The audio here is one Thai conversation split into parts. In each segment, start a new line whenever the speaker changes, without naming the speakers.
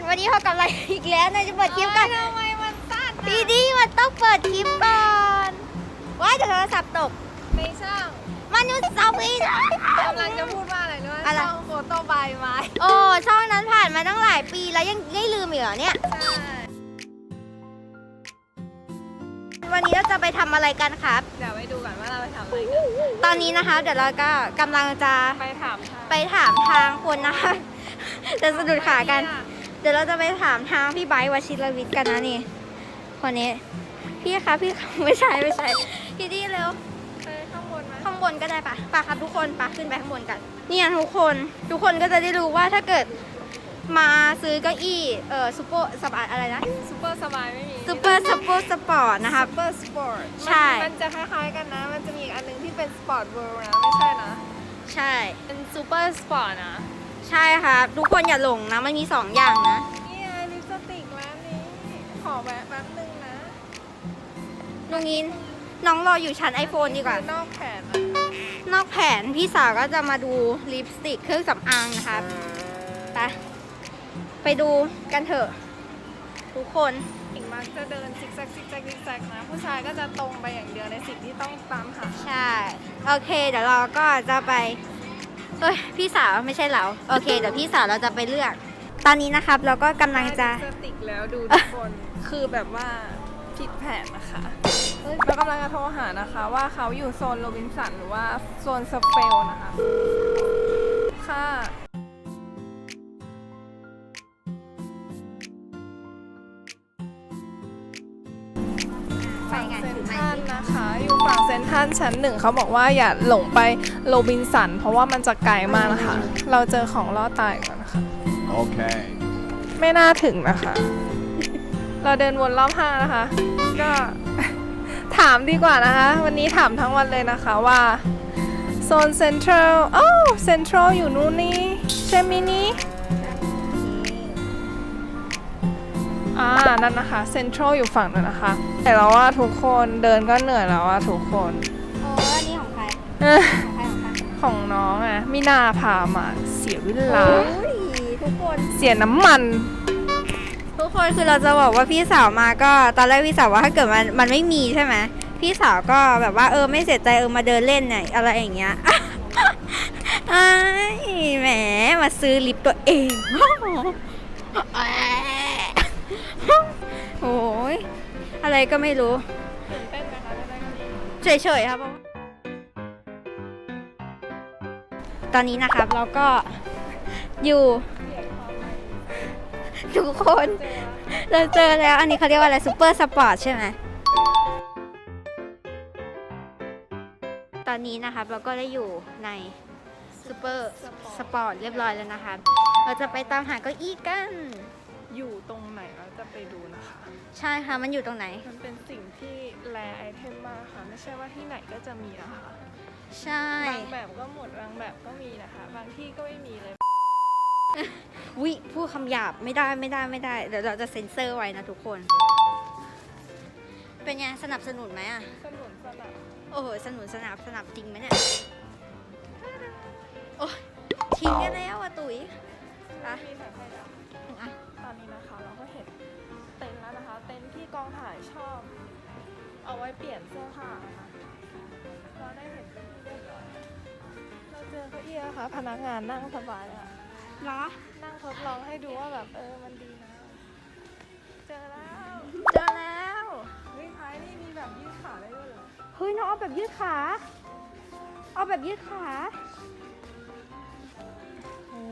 วันนี้พบกับอะไรอีกแล้วนายจะเปิดคลิปกัน
ทำไมมันสั้น
ดีดีมันต้องเปิดคลิปก่อนว้ายเดี๋ยวโทรศัพท์ตก
ไม่ช่าง
มันอยู่เซาฟีนะ
กำลังจะพูดว่าอะไรด้วยช่องโฟโต้บายไม้
โอ้ช่องนั้นผ่านมาตั้งหลายปีแล้วยังไม่ลืมอีกเหรอเนี่ย
ใช่
วันนี้เราจะไปทำอะไรกันครับ
เดี๋ยวไปดูก่อนว่าเราไปทำอะไรกัน
ตอนนี้นะคะเดี๋ยวเราก็กำลังจะไปถามทางคนนะคะจะสะดุดขากันเดี๋ยวเราจะไปถามทางพี่ไบร์ทวชิรวิทย์กันนะนี่คนนี้พี่คะพี่ไม่ใช่พี่ดีเร็ว
ไปข้างบนไหม
ข้างบนก็ได้ปะครับทุกคนขึ้นไปข้างบนกันเนี่ยทุกคนก็จะได้รู้ว่าถ้าเกิดมาซื้อเก้าอี้ซูเปอร์สปอร์ตอะไรนะ
ซูเปอร์สบายไม่มี
ซูเปอร์สปอร์ตนะคะ
ซูเปอร์สปอร์ต
ใช่
มันจะคล้ายๆกันนะมันจะมีอีกอันนึงที่เป็นสปอร์ตเวิลด์นะไม่ใช่นะ
ใช่
เป็นซูเปอร์สปอร์ตนะ
ใช่ครับทุกคนอย่าหลงนะมันมี2อย่างนะ
นี่ไงลิปสติกร้านนี้ขอแวะแป๊บนึงนะ
น้องอินน้องรออยู่ชั้น iPhone ดีกว่าน
อกแผน
นอกแผนพี่สาวก็จะมาดูลิปสติกเครื่องสำอางนะครับไปดูกันเถอะทุกคน
หญิงมักจะเดินซิกแซกนะผู้ชายก็จะตรงไปอย่างเดียวในสิ่งที่ต้องตามหา
ใช่โอเคเดี๋ยวเราก็จะไปพี่สาวไม่ใช่เราโอเคเดี๋ยวพี่สาวเราจะไปเลือกตอนนี้นะครับเราก็กำลังจะ
สติกแล้วดูทุกคนคือแบบว่าผิดแผนนะคะเรากำลังจะโทรหานะคะว่าเขาอยู่โซนโรบินสันหรือว่าโซนสเปลนะคะค่ะฝั่งเซ็นทรัลนะคะอยู่ฝั่งเซ็นทรัลชั้น 1เขาบอกว่าอย่าหลงไปโรบินสันเพราะว่ามันจะไกลมากนะคะเราเจอของล่อตายก่อนนะคะ
โอเค
ไม่น่าถึงนะคะเราเดินวนรอบห้างนะคะก็ถามดีกว่านะคะวันนี้ถามทั้งวันเลยนะคะว่าโซนเซ็นทรัลเซ็นทรัลอยู่นู่นนี่ใช่ไหมนี่นั่นนะคะเซ็นทรัลอยู่ฝั่งนั้นนะคะแต่เราว่าทุกคนเดินก็เหนื่อยแล้วว่าทุกคน
อันนี้ของใคร
ของน้องอ่ะมินาพามาเสียเวลา
ทุกคน
เสียน้ำมัน
ทุกคนคือเราจะบอกว่าพี่สาวมาก็ตอนแรกพี่สาวว่าถ้าเกิดมันไม่มีใช่ไหมพี่สาวก็แบบว่าไม่เสียใจมาเดินเล่นเนี่ยอะไรอย่างเงี้ยแหมมาซื้อลิปตัวเองโอ้ยอะไรก็ไม่รู้เฉยๆครับตอนนี้นะครับเราก็อยู่ทุกคนเราเจอแล้วอันนี้เขาเรียกว่าอะไรซูเปอร์สปอร์ตใช่ไหมตอนนี้นะครับเราก็ได้อยู่ในซูเปอร์สปอร์ตเรียบร้อยแล้วนะครับเราจะไปตามหาเก้าอี้กัน
อยู่ตรงไหนเราจะไปดูนะคะ
ใช่ค่ะมันอยู่ตรงไหน
มันเป็นสิ่งที่แรไอเทมมากค่ะไม่ใช่ว่าที่ไหนก็จะมีนะคะ
ใช่
บางแบบก็หมดบางแบบก็มีนะคะบางที่ก็ไม่มีเลย
วิพูดคำหยาบไม่ได้เดี๋ยวเราจะเซ็นเซอร์ไว้นะทุกคนเป็นไงสนับสนุนไหมอ่ะ
สนับ
โอ้โหสนับจริงไหมเนี่ยโอ้ทิ้งกันแล้วอ่ะตุ๋ย
มีแบบให้แล้วตอนนี้นะคะเราก็เห็นเต็นท์แล้วนะคะเต็นท์ที่กองถ่ายชอบเอาไว้เปลี่ยนเสื้อผ้านะคะเราได้เห็นเป็นที่เรียบร้อยเราเจอเก้าอี้นะคะพนักงานนั่งสบายอ่ะ
เหรอ
นั่งทดลองให้ดูว่าแบบมันดีนะเจอแล้วเฮ้ยท้ายนี่มีแบบยืดขาได้ด้วยเหรอ
เฮ้ยน้องเอาแบบยืดขา
โอ้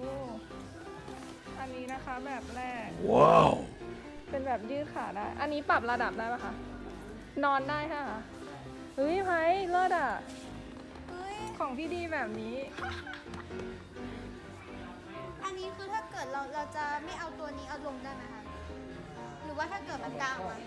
อันนี้นะคะแบบแรก
ว้าว
เป็นแบบยืดขาได้อันนี้ปรับระดับได้ปะคะนอนได้ค่ะเฮ้ยไพ่เลิศอ่ะของพี่ดีแบบนี้
อันนี้คือถ้าเกิดเราจะไม่เอาตัวนี้เอาลงได้ไหมคะหรือว่าถ้าเกิดมันกลางอ่ะ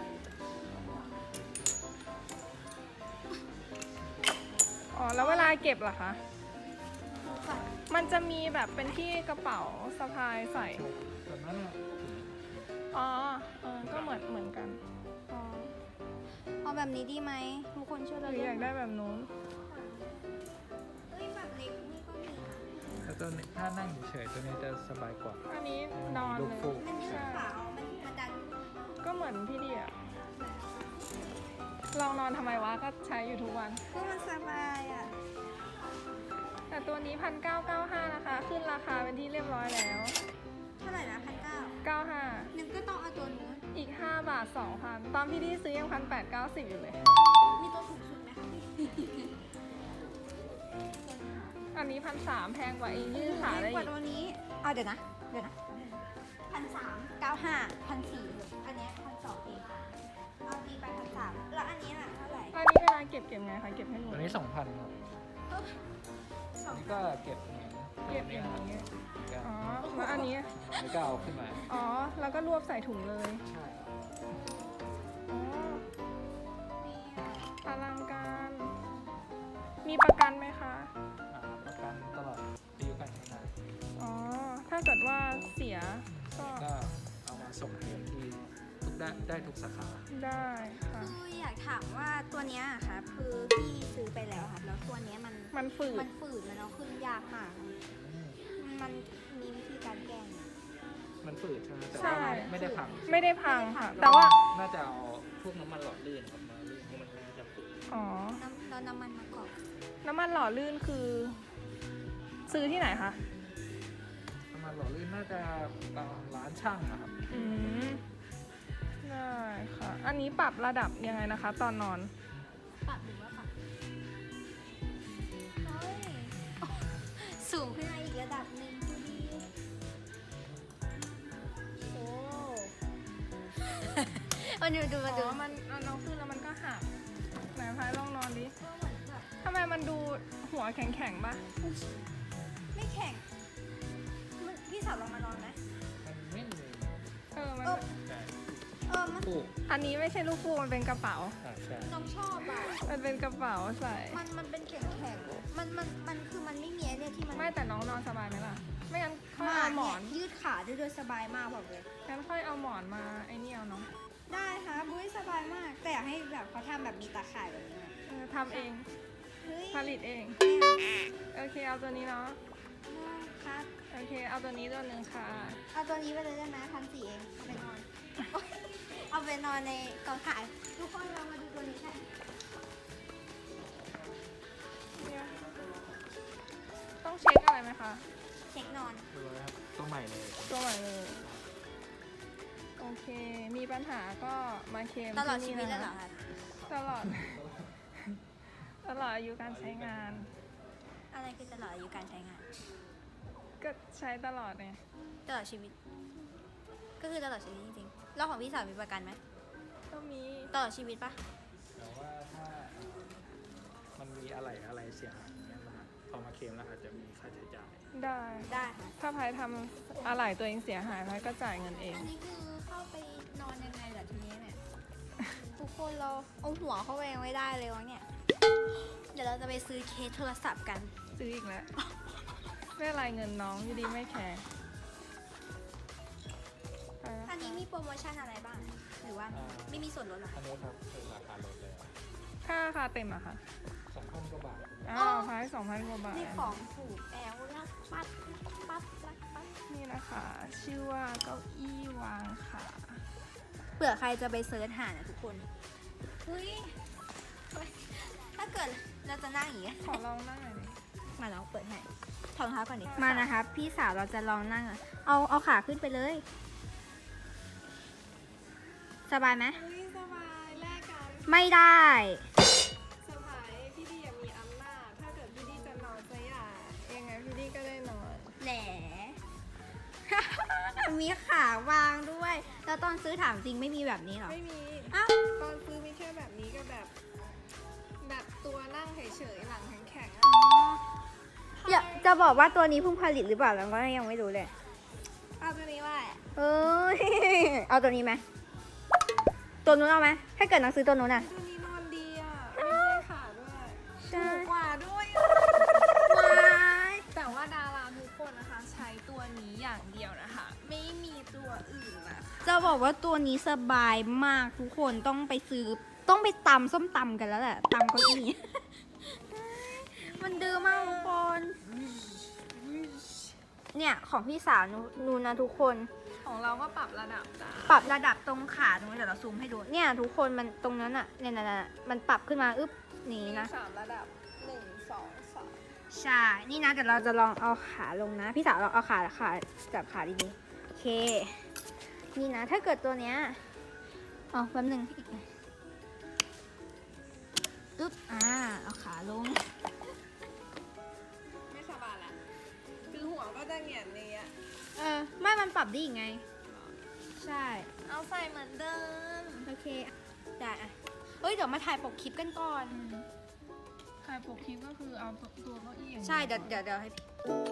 แล้วเวลาเก็บล่ะคะมันจะมีแบบเป็นที่กระเป๋าสะพายใส่ก็เหมือนกัน
เอาแบบนี้ดีไหมทุกคนช่วยเรา
อยากได้แบบนู้น
แบบเล็กนี่ก็มี
ตัวนี้ถ้านั่งเฉยๆตัวนี้จะสบายกว่า
อันนี้นอน
ลู
เล
ก
ย
ฟูก
มันมี
ใช่
ขามันดัน
ก็เหมือนพี่ดีอะลองนอนทำไมวะก็ใช้อยู่ทุกวัน
ก็มันสบายอ่ะ
แต่ตัวนี้1995นะคะ ขึ้นราคาเป็นที่เรียบร้อยแล้ว
เท่าไหร่นะ1,900
95
นึงก็ต้องเอาตัวนู้น
อีก5 บาท 2,000 ตอนพี่ดีซื้อยัง1,890อยู่เลย
มีตัวถูกสุดไหมคะพี่
อันนี้1,300แพงกว่าอีกยืดขาได้
กว่า
อีก
ตัวนี้เอาเดี๋ยวนะ1,395 1,400อันเนี้ย1,200เองเอาดีไป1,300แล้วอันนี้ล่ะเท่าไหร่
อันนี้เวลาเก็บไงคะเก็บให้หนู
ตัวนี้ 2,000ครับ
สอง
นี่ก็เก็บอย่างนี้
เก็บอย่างนี้
ก็
อ๋อแล้วอันนี้
นี่ก็เอาขึ้นมา
อ๋อ แล้วก็รวบใส่ถุงเลย
ใช่
อ๋อ
นี่อ่ะ
อลังการ มีประกันไหมคะ
ประกันตลอดอายุการใช้งาน
อ๋อ ถ้าเกิดว่าเสียก็
ก็เอามาส่งเรียนที่ทุกได้ทุกสาขา
ได้ค่ะ
คืออยากถามว่าตัวเนี้ยอะค่ะคือพี่ซื้อไปแล้วค่ะแล้วตัวเนี้ย
มันฝืด
มันฝืดมันเอาขึ้นยากมากมันมีวิธีการแก้ไหม
มันฝืดใช่ไหมแต่
ใช่
ว่าไม่ได้พัง
ไม่ได้พังค่ะ แต่ว่า
น่าจะเอาพวกน้ำมันหล่อลื่นครับมาลื่นเพราะมันน่าจะฝืด
อ๋อ
แล้วน้ำมันมะกอก
น้ำมันหล่อลื่นคือ ซื้อที่ไหนคะ
น้ำมันหล่อลื่นน่าจะตามร้านช่างนะครับ
อืม ได้ค่ะ อันนี้ปรับระดับยังไงนะคะ ตอนนอน
ปรับหรือว่าปรับเฮ้ยสูงขึ้นมาอีกระดับหนึ่งดูดีโอ้มาดูมาดู
อ๋อ มันเอาขึ้นแล้วมันก็หักไหนพายลองนอนดิ
ก็เหมือนแบบ
ทำไมมันดูหัวแข็งๆปะ
ไม่แข็งพี่สาวลองมานอนไหม
มันไม่มี
มัน
ใช่
มัน
ฟูก
อันนี้ไม่ใช่ลูกฟูกมันเป็นกระเป๋า
ใช่
น้องชอบอ่ะ
มันเป็นกระเป๋าใส่
มันเป็นแข็งแข็งๆมันคือมันไม่มีไอ้เนี่ยที่มัน
ไม่แต่น้องนอนสบายไหมล่ะ ไม่งั้นค่อยเอาหมอน
ยืดขาได้ด้วยสบายมากบอกเลย
งั้นค่อยเอาหมอนมาไอ้นี่เอาเนาะ
ได้ค่ะบุ้ยสบายมาก แต่อยากให้แบบเขาทำแบบมีตาข่ายแบบนี้อะ
ทำเอง
เฮ้ย
ผลิตเอง โอเค เอาตัวนี้เนาะ
ครับ
โอเค เอาตัวนี้ตัวหนึ่งค่ะ
เอาตัวนี้ไปเลยได้ไหม1,400เองเอาไปนอน เอาไปนอนในกองถ่ายทุกคนเรามาดูตัวนี้กัน
ต้องเช็คอะไรไหมคะ
เช็คนอน
ดูเลยครับตัวใหม่เลย
ตัวใหม่เลย โอเค มีปัญหาก็มาเคลม
ตลอด
ที่
ชี
นี่
วิต
นะ
แล้วเหรอ
คะ
คะ
ตลอด ตลอดอายุการใช้งาน
อะไรคือตลอดอายุการใช้งาน
ก็ใช้ตลอดไง
ตลอดชีวิต ก็คือตลอดชีวิตจริงๆแล้วของพี่สาวมีประกันไหม
ก็มี
ตลอดชีวิตปะ
แต่ว่าถ้ามันมีอะไรเสียหายอย่างเงี้ยนะฮะพอมาเคลมแล้วอาจจะมีค่าใช้จ่าย
ได้
ได้ค่ะ
ถ้าพายทำอะไรตัวเองเสียหายพายก็จ่ายเงินเอง
อันนี้คือเข้าไปนอนยังไงล่ะทีนี้เนี่ย ทุกคนเราเอาหัวเข้าไปยังไม่ได้เลยวะเนี่ย เดี๋ยวเราจะไปซื้อเคสโทรศัพท์กัน
ซื้ออีกแล้ว ไม่เป็นไรเงินน้องอยู่ดีไม่แคร์ไปแล้ว
อันนี้มีโปรโมชั่นอะไรบ้าง หรือว่าไม่มีส่วนลดเหรอ
อั
คะ
นนี้ครับเป็นราคาลดเลย
ค่าราคาเต็มอะค่ะ
2,000 กว่าบาท
อ้าวพาย2,000 กว่าบาท
นี่ของถูกแล้วรักปัดรักปัด
นี่นะคะ ชื่อว่าเก้าอี้วางขา
เผื่อใครจะไปเซิร์ชหานะทุกคนเฮ้ยถ้าเกิดเราจะนั่งอย่างนี้
ขอลองนั่งหน่อยดิ
มาลองเปิดให้ถอดรองเท้าก่อนดิ มานะคะพี่สาวเราจะลองนั่งอะเอาขาขึ้นไปเลย สบายไหม
เฮ้ยสบายแลกกัน
ไม่ได้
สบายพี่ดีอยากมีอำนาจ ถ้าเกิดพี่ดีจะนอนจะอยากยังไงพี่ดีก็ได้นอน
แหน มีขาวางด้วย แล้วตอนซื้อถามจริงไม่มีแบบนี้หรอ
ไม่มี
อ้าว
ตอนซื้อมีแค่แบบนี้กับแบบตัวนั่งเฉยๆหลังแข็งๆอะ
อย่าจะบอกว่าตัวนี้เพิ่งผลิตหรือเปล่าเราก็ยังไม่รู้เลย
เอาตัวนี้ว่า
เอ้ย เอาตัวนี้ไหม ตัวนู้นเอาไหม ถ้าเกิดน้องซื้อตัวนู้นอ่ะ
ตัวนี้นอนดีอ่ะไม่ใช่ขาด้วย
ใช่
ถูกกว่าด้วย
ว้าย
แต่ว่าดาราทุกคนนะคะ ใช้ตัวนี้อย่างเดียวนะคะ ไม่มีตัวอื่นนะคะ
จะบอกว่าตัวนี้สบายมากทุกคนต้องไปซื้อ ต้องไปตำส้มตำกันแล้วแหละตำเก้าอี้ มันดื้อมากทุกคนเนี่ยของพี่สาวนูนนะทุกคน
ของเราก็ปรับระดับได้
ปรับระดับตรงขาตรงนี้เดี๋ยวเราซูมให้ดู เนี่ยทุกคนมันตรงนั้นอะเนี่ยมันปรับขึ้นมาอึ๊บนี่
มี
นะ
3 ระดับ 1 2 3
ใช่ นี่นะเดี๋ยวเราจะลองเอาขาลงนะ พี่สาวลองเอาขาจับขาดีๆโอเค นี่นะถ้าเกิดตัวเนี้ยเอาแป๊บหนึงอึ๊บเอาขาลง
ไม่สบายแล้วคือหัวก็จะเหงียนนี้อะ
ไม่มันปรับได้อีกไง ใช่
เอาใส่เหมือนเดิม
โอเคได้อะเฮ้ยเดี๋ยวมาถ่ายปกคลิปกันก่อน
ถ่ายปกคลิปก็คือเอาตัวเก้าอี้อย่าง
ใช่เดี๋ยวให้พี่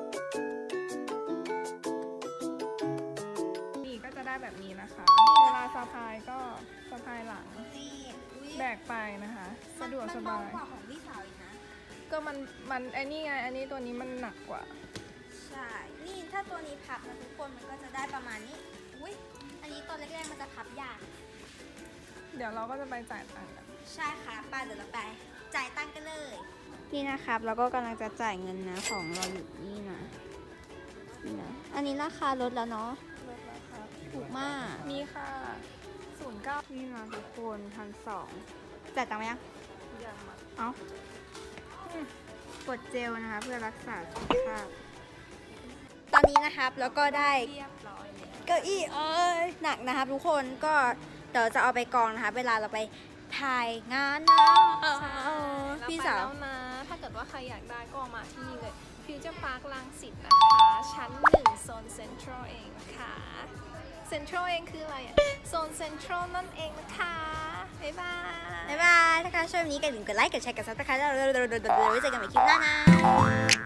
นี่ก็จะได้แบบนี้นะคะ เวลาสะพายก็สะพายหลัง
นี่อุ๊ย
แบกไปนะคะ สะดวกส
มัน
บา
เบาย กว่าของพี่สาวอีกนะ
ก็มันไอ้นี่ไง อันนี้ตัวนี้มันหนักกว่า
ใช่ นี่ถ้าตัวนี้พับนะทุกคนมันก็จะได้ประมาณนี้ อุ้ยอันนี้ตัวเล็กๆมันจะพับยาก
เดี๋ยวเราก็จะไปจ่ายตังค์กัน
ใช่ค่ะป้าเดี๋ยวเราไปจ่ายตังค์กันเลย นี่นะครับแล้วก็กำลังจะจ่ายเงินนะของเราอยู่นี่นะนี่นะอันนี้ราคาลดแล้วเนาะ
ลดราคา
ถูกมาก
มีค่ะ09
นี่นะทุกคน1,200จ่ายตังค์ไหมยัง
อย่างมา
เอากดเจลนะคะเพื่อรักษาสุขภาพ ตอนนี้นะครับแล้วก็ได้
เรียบร้อยแล้ว
เก้าอี้หนักนะครับทุกคนก็เดี๋ยวจะเอาไปกองนะคะเวลาเราไปถ่ายงานนะ พี่สาว
แล้วนะ ถ้าเกิดว่าใครอยากได้ก็มาที่นี่เลย Future Park รังสิตนะคะ ชั้น 1 โซนเซ็นทรัลเองนะคะเซ็นทรัลเองคืออะไรอะโซนเซ็นทรัลนั่นเองนะคะ บ๊ายบาย
บ๊ายบายถ้าใครชอบแบบนี้ก็อย่าลืมกดไลค์กดแชร์กดซับสไครต์แล้วเราไว้เจอกันใหม่คลิปหน้านะ